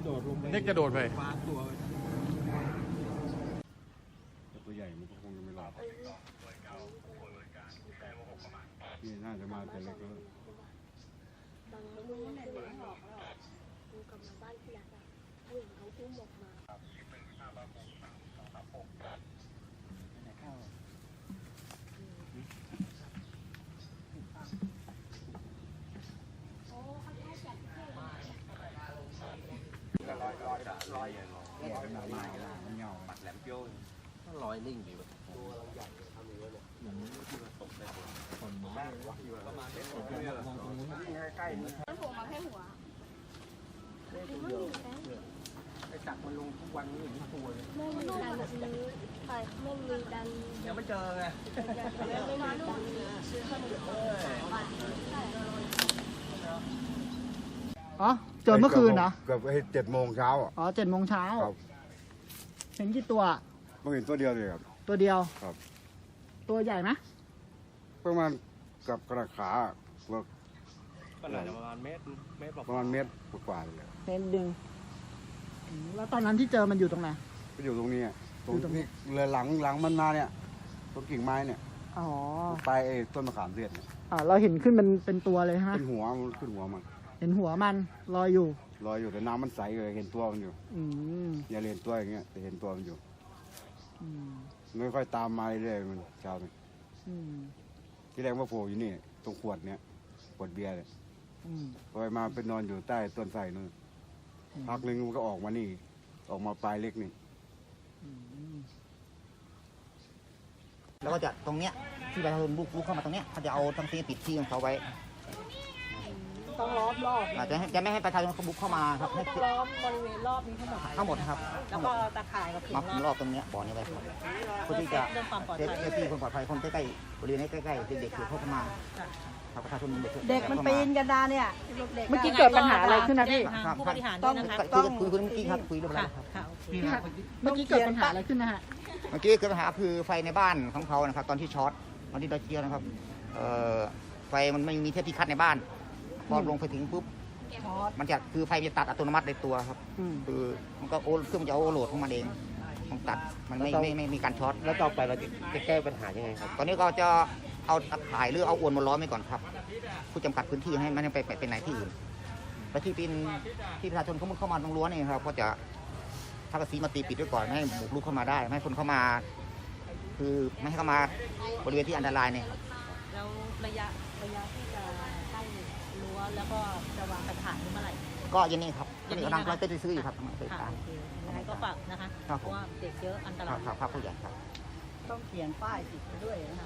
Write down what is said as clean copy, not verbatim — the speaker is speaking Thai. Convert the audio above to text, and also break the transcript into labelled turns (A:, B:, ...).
A: โดดลงไป
B: เด็กจะโดดไป
A: คว้าตัวไป
C: ตัวใหญ่มันก็คงจะไม่รอดนี่น่าจะมาแต่เล็กแล้ว
D: ลุงเนี่ยหนีออกแล้วลุงกลับมาบ้านพี่รักอ่ะผู้หญิงเขาพุ่งออกมา
A: ลอยนิ่งอยู่ตัวเราใหญ่ทำอย่างนี้เลยอย่างนี้ที่มันตกได้คนมองประมาณนี้มองตรงนู้นใกล้ๆนี่
D: แล้วผมมาแค่หัว
A: ไอ้จักมันลงทุกวันนี้อย่างนี้ตัวเลย
D: ไม่มีดันซื้อใช่ไม่มีดัน
A: ยังไม่เจอไง
D: ไม่มาดูซื้อขนมปังใช่
E: อ๋อเจอเมื่อคืนนะ
C: เกือบ7 โมงเช้าอ่ะ
E: อ๋อ7 โมงเช้า
C: ครับ
E: เห็นกี่ตัว
C: เพิ่งเห็นตัวเดียวเลยครับ
E: ตัวเดียว
C: ครับ
E: ตัวใหญ่ไหม
C: ประมาณกับกระขาว่า
A: ก็น่าจะประมาณเมตร
C: ประมาณเมตรกว่าเลย
E: เห็นดึงแล้วตอนนั้นที่เจอมันอยู่ตรงไหน
C: ก็อยู่ตรงนี้อะตรง
E: อยู่ตรงนี้
C: นี้เลยหลังมันมาเนี่ยต้นกิ่งไม้เนี่ย
E: อ๋อ
C: ปลายไอ้ต้นมะขามเทศเนี่ย
E: เราเห็นขึ้นเป็นตัวเลยใช่ไหม
C: เป็นหัวมันขึ้นหัวมัน
E: เห็นหัวมันลอยอยู่
C: ลอยอยู่แต่น้ำมันใสเลยเห็นตัวมันอยู่
E: อืม
C: อย่าเห็นตัวอย่างเงี้ยแต่เห็นตัวมันอยู่
E: อืม
C: ไม่ค่อยตามมาเรื่อยๆมันเช้านี่
E: อืม
C: ที่แรกว่าโผล่อยู่นี่ตรงขวดเนี้ยขวดเบียร์เนี่ย
E: อืม
C: พอไปมาไปนอนอยู่ใต้ต้นไทรนู่นพักหนึงมันก็ออกมานี่ ออกมาปลายเล็กนี่
E: อืม
F: แล้วก็จะตรงเนี้ยที่ประชาชนบุกรุกเข้ามาตรงเนี้ยเขาจะเอาทั้งที่ปิดที่ของเขาไว้
E: ต้องล้อมรอบ
F: อาจจะไม่ให้ประชาชนเขาบุกเข้ามาครับให้
E: ล้อมบริเวณรอบนี้ทั้งหมด
F: ทั้งหมดครับ
E: แล้วก็ตะข่ายกับขึง
F: มาคุมรอบตรงเนี้ยบ่อนี้ไว้ครับเพื่อที่จะ
E: เรื่องความปลอด
F: เซฟ
E: ภัย
F: ที่คนปลอดภัยคนใกล้ๆบริเวณนี้ใกล้ๆเด็กๆเข้ามาครับประชาชน
G: เด็กมันปีนกันดาเนี่ยเด็ก
E: เมื่อกี้เกิดปัญหาอะไรขึ้นนะพี่
G: ผู้บริหารด้วยนะคะ
F: คุยเมื่อกี้ครับคุยเรื่องอะไรครับ
G: ค่ะโอเค
E: พี่ครับเมื่อกี้เกิดปัญหาอะไรขึ้นนะฮะ
F: เมื่อกี้เกิดปัญหาคือไฟในบ้านของเขานะครับตอนที่ช็อตตอนที่เราเจียวนะครับไฟมันไม่มีเทปที่คัดในบ้านพอลงไปถึงปุ๊บมันจะคือไฟจะตัดอัตโนมัติในตัวครับ
E: อืม
F: คือมันก็เครื่องมันจะโอเวอร์โหลดของมันเองมันตัดมันไม่มีการช็อต
A: แล้วต่อไปเราจะแก้ปัญหายังไงครับ
F: ตอนนี้ก็จะเอาตะข่ายหรือเอาอวนมาล้อมไว้ก่อนครับผู้จำกัดพื้นที่ให้มันไปไหนที่อื่นและที่เป็นที่ประชาชนเขาเข้ามาตรงรั้วนี่ครับก็จะถ้ากระสีมาตีปิดไว้ก่อนไม่ให้บุกรุกเข้ามาได้ไม่ให้คนเข้ามา คือไม่ให้เข้ามาบริเวณที่อันตรายเนี่ยครับ
G: แล้วระยะที่จะใกล้รั้วแล้วก็จะวางกระถางนี่เมื่อไหร่
F: ก็อยังนี้ครับตอนนี้กำลังไปซื้ออยู่ครับไป
G: ค่ะ
F: ตาม
G: โอเคยังไงก็ฝากนะคะ
F: ครับ
G: เพ
F: ผม
G: ราะว่าเด็กเยอะอันต
F: ค
G: รา
F: รับ
G: ย
F: ครับผู้ใหญ่ครับ
E: ต้องเขียนป้ายติดไปด้วยนะคะ